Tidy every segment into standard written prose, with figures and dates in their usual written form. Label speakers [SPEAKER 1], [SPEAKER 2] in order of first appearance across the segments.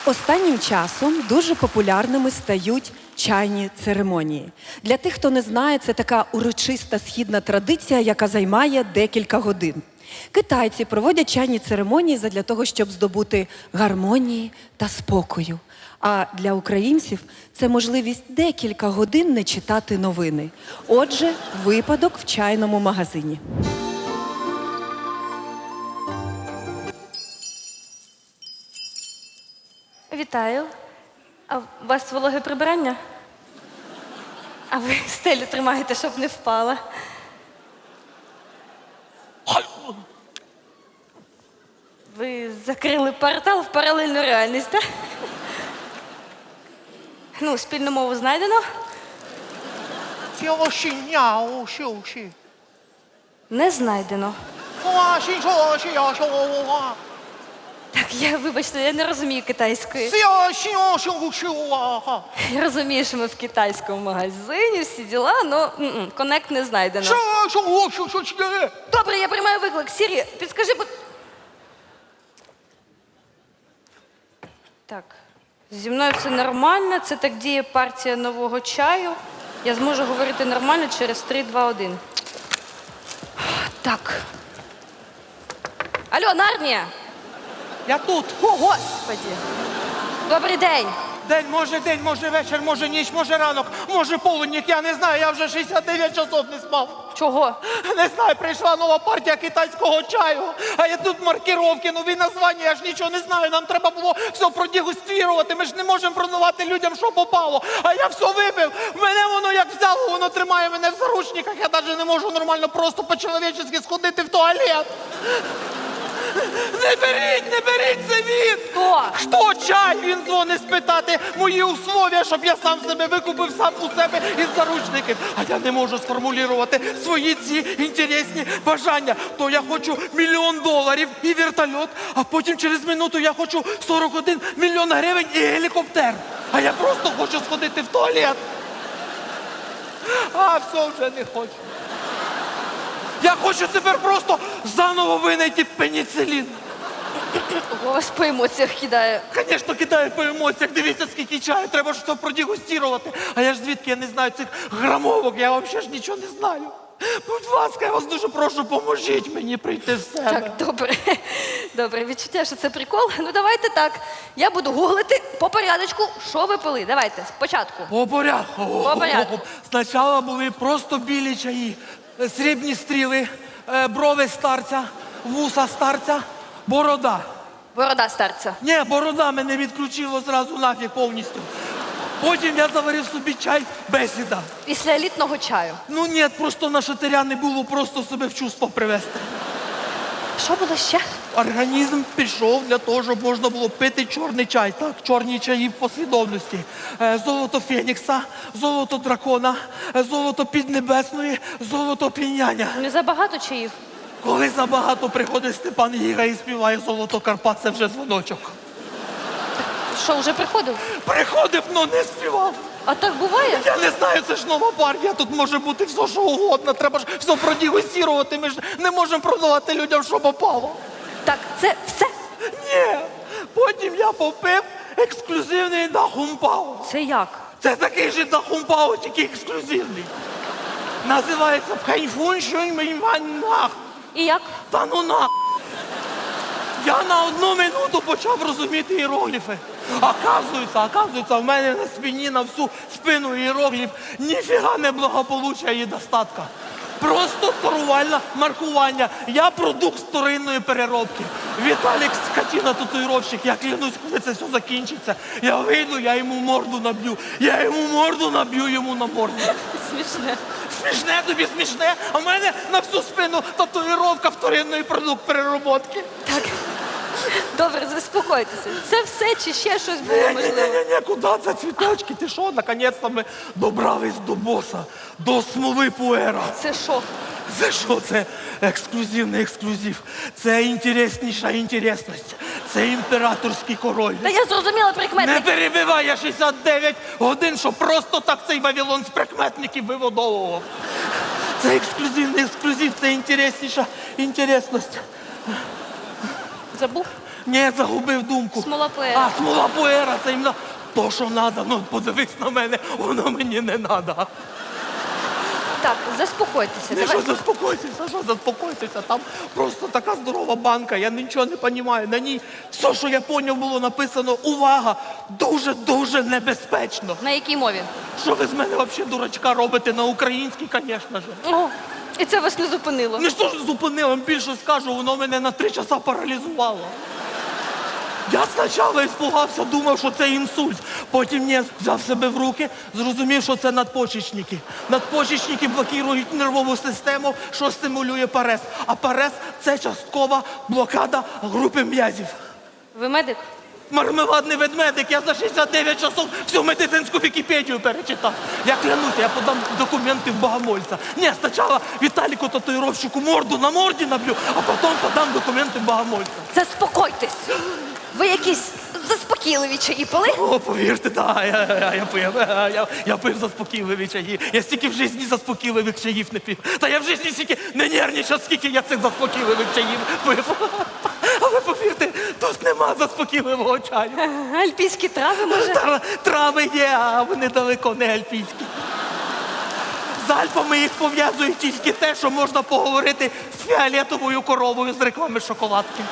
[SPEAKER 1] Останнім часом дуже популярними стають чайні церемонії. Для тих, хто не знає, це така урочиста східна традиція, яка займає декілька годин. Китайці проводять чайні церемонії задля того, щоб здобути гармонії та спокою. А для українців це можливість декілька годин не читати новини. Отже, випадок в чайному магазині.
[SPEAKER 2] Вітаю. А у вас вологе прибирання? А ви стелю тримаєте, щоб не впала. Ви закрили портал в паралельну реальність, так? Ну, спільну мову знайдено? Не знайдено. Так, вибачте, я не розумію китайської. Я розумію, що ми в китайському магазині, всі діла, але коннект не знайдено. Добре, я приймаю виклик. Сірі, підскажи, Так, зі мною все нормально, це так діє партія нового чаю. Я зможу говорити нормально через 3, 2, 1. Так. Алло, Нарнія!
[SPEAKER 3] Я тут.
[SPEAKER 2] О, Господі! Добрий день!
[SPEAKER 3] День, може вечір, може ніч, може ранок, може полудник, я не знаю, я вже 69 часов не спав.
[SPEAKER 2] Чого?
[SPEAKER 3] Не знаю, прийшла нова партія китайського чаю, а я тут маркировки, нові названня, я ж нічого не знаю, нам треба було все продегустувати, ми ж не можемо продавати людям, що попало. А я все випив, мене воно як взяло, воно тримає мене в заручниках, я навіть не можу нормально просто по-чоловічески сходити в туалет. Не беріть, це він!
[SPEAKER 2] Хто?
[SPEAKER 3] Хто чай? Він дзвонить спитати мої условия, щоб я сам себе викупив, сам у себе із заручників. А я не можу сформулювати свої ці інтересні бажання. То я хочу $1 мільйон і вертольот, а потім через минуту я хочу 41 мільйон гривень і гелікоптер. А я просто хочу сходити в туалет. А все вже не хочу. Я хочу тепер просто заново винайти пеніцилін.
[SPEAKER 2] У вас по емоціях кидає.
[SPEAKER 3] Звісно, кидаю по емоціях. Дивіться, скільки чаю, треба ж все продегустувати. А я ж звідки я не знаю цих грамовок, я взагалі ж нічого не знаю. Будь ласка, я вас дуже прошу, поможіть мені прийти в себе.
[SPEAKER 2] Так, добре. Добре, відчуття, що це прикол. Ну, давайте так. Я буду гуглити по порядочку, що ви пили. Давайте, спочатку.
[SPEAKER 3] По порядку.
[SPEAKER 2] По порядку.
[SPEAKER 3] Спочатку були просто білі чаї, срібні стріли, брови старця, вуса старця, борода.
[SPEAKER 2] Борода старця.
[SPEAKER 3] Ні, борода мене відключило зразу нафіг повністю. Потім я заварив собі чай бесіда.
[SPEAKER 2] Після елітного чаю.
[SPEAKER 3] Ну ні, просто на шатиря не було, просто себе в чувство привести.
[SPEAKER 2] Що було ще?
[SPEAKER 3] Організм пішов для того, щоб можна було пити чорний чай. Так, чорні чаї в послідовності. Золото Фенікса, золото дракона, золото Піднебесної, золото Піняння.
[SPEAKER 2] Не забагато чаїв?
[SPEAKER 3] Коли забагато приходить Степан Гіга і співає золото Карпат, це вже дзвоночок.
[SPEAKER 2] Що, вже приходив?
[SPEAKER 3] Приходив, но не співав.
[SPEAKER 2] А так буває?
[SPEAKER 3] Я не знаю, це ж нова партія, тут може бути все, що угодно. Треба ж все продегустувати, ми ж не можемо продавати людям, що попало.
[SPEAKER 2] Так, це все?
[SPEAKER 3] Ні, потім я попив ексклюзивний дахумпао.
[SPEAKER 2] Це як?
[SPEAKER 3] Це такий же дахумпао, тільки ексклюзивний. Називається Пхайфун Шуньмінваннах.
[SPEAKER 2] І як?
[SPEAKER 3] Та ну на. Я на 1 минуту почав розуміти іерогліфи. Оказується, в мене на спині на всю спину іерогліф ніфіга не благополуччя і достатка. Просто торгувальне маркування. Я продукт вторинної переробки. Віталік скотина татуїровщик, я клянусь, коли це все закінчиться. Я вийду, я йому морду наб'ю. Я йому морду наб'ю йому на морду.
[SPEAKER 2] Смішне.
[SPEAKER 3] Смішне тобі смішне, а в мене на всю спину татуїровка вторинної продукт переробки.
[SPEAKER 2] Так. Добре, заспокойтеся. Це все чи ще щось було можливо?
[SPEAKER 3] Ні, куди це цвіточки? Ти що? Наконець-то ми добрались до боса, до смоли пуера.
[SPEAKER 2] Це що?
[SPEAKER 3] Це що? Це ексклюзивний ексклюзив. Це інтересніша інтересність. Це імператорський король.
[SPEAKER 2] Та я зрозуміла
[SPEAKER 3] Не
[SPEAKER 2] прикметник.
[SPEAKER 3] перебивай, я 69 годин, що просто так цей Вавилон з прикметників виводовував. Це ексклюзивний ексклюзив, це інтересніша інтересність.
[SPEAKER 2] Забув?
[SPEAKER 3] Ні, загубив думку.
[SPEAKER 2] Смола пуера.
[SPEAKER 3] А, смола пуера, це іменно то, що треба. Ну, подивись на мене, воно мені не треба.
[SPEAKER 2] Так, заспокойтеся.
[SPEAKER 3] Не
[SPEAKER 2] Давай.
[SPEAKER 3] що заспокойтеся. Там просто така здорова банка, я нічого не розумію. На ній все, що я поняв, було написано увага, дуже-дуже небезпечно.
[SPEAKER 2] На якій мові?
[SPEAKER 3] Що ви з мене взагалі дурачка робите на українській, звісно ж.
[SPEAKER 2] О, і це вас не зупинило.
[SPEAKER 3] Ну що ж зупинило, більше скажу, воно мене на 3 часа паралізувало. Я спочатку іспугався, думав, що це інсульт. Потім ні, взяв себе в руки, зрозумів, що це надпочечники. Надпочечники блокують нервову систему, що стимулює парез. А парез – це часткова блокада групи м'язів.
[SPEAKER 2] Ви медик?
[SPEAKER 3] Мармеладний ведмедик, я за 69 часов всю медицинську Вікіпедію перечитав. Я клянуся, я подам документи в Богомольця. Ні, спочатку Віталіку татуїровщику морду на морді наб'ю, а потім подам документи в Богомольця.
[SPEAKER 2] Заспокойтесь. Ви якісь заспокійливі чаї пили?
[SPEAKER 3] О, повірте, так, я пив заспокійливі чаї. Я стільки в житті заспокійливих чаїв не пив. Та я в житті стільки не нервничав, скільки я цих заспокійливих чаїв пив. Але повірте, тут нема заспокійливого чаю.
[SPEAKER 2] Альпійські трави, може?
[SPEAKER 3] Трави є, а вони далеко не альпійські. З Альпами їх пов'язує тільки те, що можна поговорити з фіолетовою коровою з реклами шоколадки.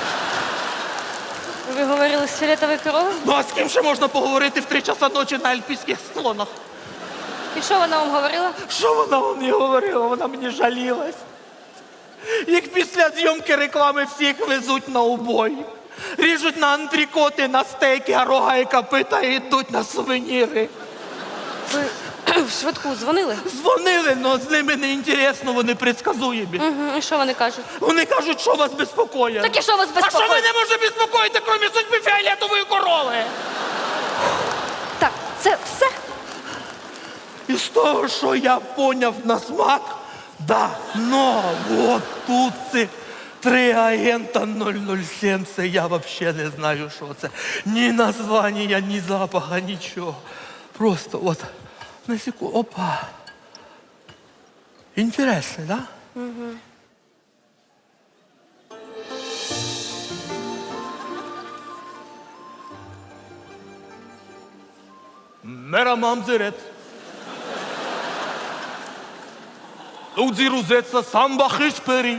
[SPEAKER 2] Ви говорили з фіолетовою коровою?
[SPEAKER 3] Ну а з ким ще можна поговорити в 3 часа ночі на альпійських склонах?
[SPEAKER 2] І що вона вам говорила?
[SPEAKER 3] Що вона мені говорила? Вона мені жалілась. Їх після зйомки реклами всіх везуть на убой. Ріжуть на антрикоти, на стейки, а рога і копита і йдуть на сувеніри.
[SPEAKER 2] Ви в швидку дзвонили?
[SPEAKER 3] Дзвонили, але з ними не інтересно, вони предсказуємі.
[SPEAKER 2] Угу. І що вони кажуть?
[SPEAKER 3] Вони кажуть, що вас безпокоїть.
[SPEAKER 2] Так і що вас
[SPEAKER 3] А що
[SPEAKER 2] безпокоїть?
[SPEAKER 3] ви не можете безпокоїти, крім судьби фіолетової корови?
[SPEAKER 2] Так, це все?
[SPEAKER 3] І з того, що я поняв на смак, да, но от тут цих 3 агента 007, це я взагалі не знаю, що це. Ні названня, ні запаха, нічого. Просто от, на секунду, опа. Інтересно, да? Угу. Мера мамзерет. Лудзи рузеца самба хиспери.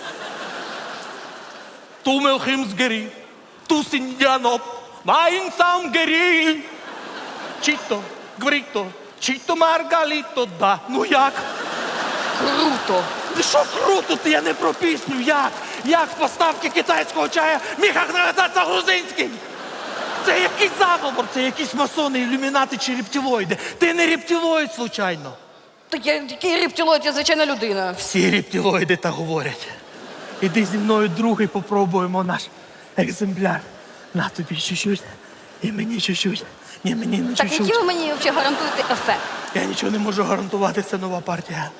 [SPEAKER 3] Тумел химсгери. Тусиндяноп. Майн сам гери. Чито, гврито, чито маргаліто, да. Ну як?
[SPEAKER 2] Круто.
[SPEAKER 3] Що круто, я не про пісню, як? Як з поставки китайського чая міг називатися грузинським? Це якийсь заговор, це якісь масони, ілюмінати чи рептилоїди. Ти не рептилоїд, случайно.
[SPEAKER 2] Так я який рептилоїд, я звичайна людина.
[SPEAKER 3] Всі рептилоїди так говорять. Іди зі мною другий попробуємо наш екземпляр. На тобі чуть-чуть і мені чуть-чуть. Ні, мені не
[SPEAKER 2] Так
[SPEAKER 3] чуть-чуть.
[SPEAKER 2] які ви мені взагалі гарантуєте ефект?
[SPEAKER 3] Я нічого не можу гарантувати, це нова партія.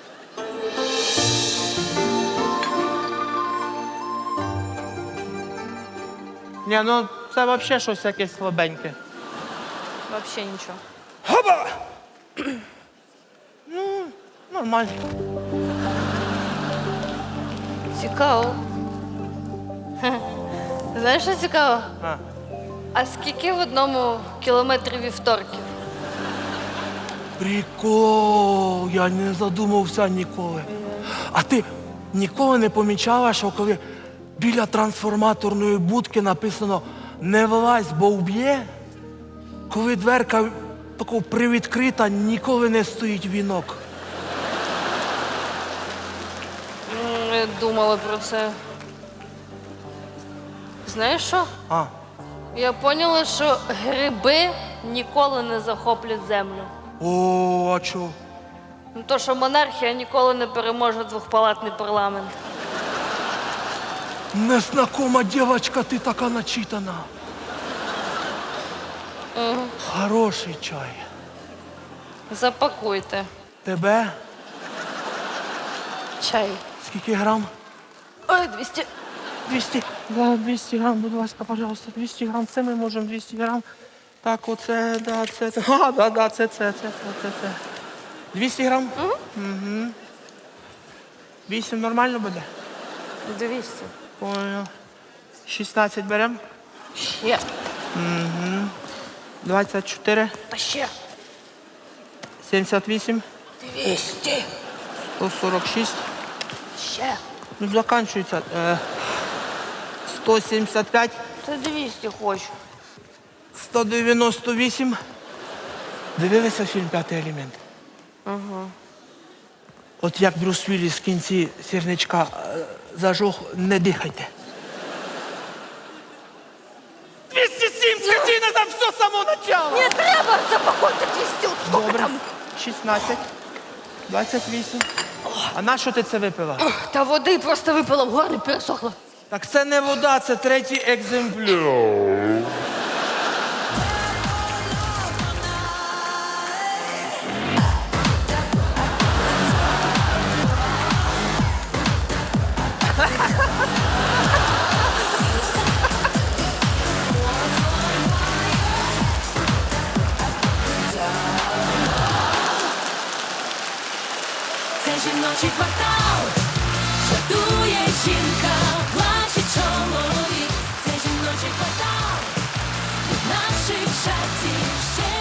[SPEAKER 3] Ні, ну це взагалі щось якесь слабеньке.
[SPEAKER 2] Взагалі нічого.
[SPEAKER 3] Хаба! Ну, нормально.
[SPEAKER 2] Цікаво. Хе. Знаєш, що цікаво?
[SPEAKER 3] А.
[SPEAKER 2] А скільки в одному кілометрі вівторків?
[SPEAKER 3] Прикол, я не задумався ніколи. А ти ніколи не помічала, що коли біля трансформаторної будки написано «Не вилазь, бо вб'є», коли дверка тако привідкрита, ніколи не стоїть вінок.
[SPEAKER 2] Не думала про це. Знаєш що?
[SPEAKER 3] А,
[SPEAKER 2] Я поняла, що гриби ніколи не захоплять землю.
[SPEAKER 3] о, а чо?
[SPEAKER 2] Ну, то, що монархія ніколи не переможе двохпалатний парламент.
[SPEAKER 3] Незнакома дівчинка, ти така начитана. Хороший чай.
[SPEAKER 2] Запакуйте.
[SPEAKER 3] Тебе?
[SPEAKER 2] Чай.
[SPEAKER 3] Скільки грам?
[SPEAKER 2] Ой, 200.
[SPEAKER 3] 200. Да, 200 грам, будь ласка, пожалуйста, 200 грам. Це ми можемо 200 грам. Так, оце, да, це. А, да, це. 200 грам? Угу. 8 нормально буде?
[SPEAKER 2] 200.
[SPEAKER 3] Понял. 16 беремо.
[SPEAKER 2] Ще.
[SPEAKER 3] 24,
[SPEAKER 2] Та ще.
[SPEAKER 3] 78,
[SPEAKER 2] 200.
[SPEAKER 3] 146.
[SPEAKER 2] Ще.
[SPEAKER 3] Ну, заканчується. 175,
[SPEAKER 2] Та 200 хочу.
[SPEAKER 3] 198. Дивилися фільм «П'ятий елемент»? Ага. От як Брюс Вілліс в кінці сірничка зажог, не дихайте. 207, скотина, там все з самого начала.
[SPEAKER 2] Не треба, запакуйте 200. Скільки
[SPEAKER 3] Добре.
[SPEAKER 2] там?
[SPEAKER 3] 16, 28. А на що ти це випила?
[SPEAKER 2] Та води просто випила в горлі, пересохло.
[SPEAKER 3] Так це не вода, це третій екземпляр.
[SPEAKER 4] Це жіночий квартал, жартує жінка, плаче чоловік. Це жіночий квартал, від наших жартів ще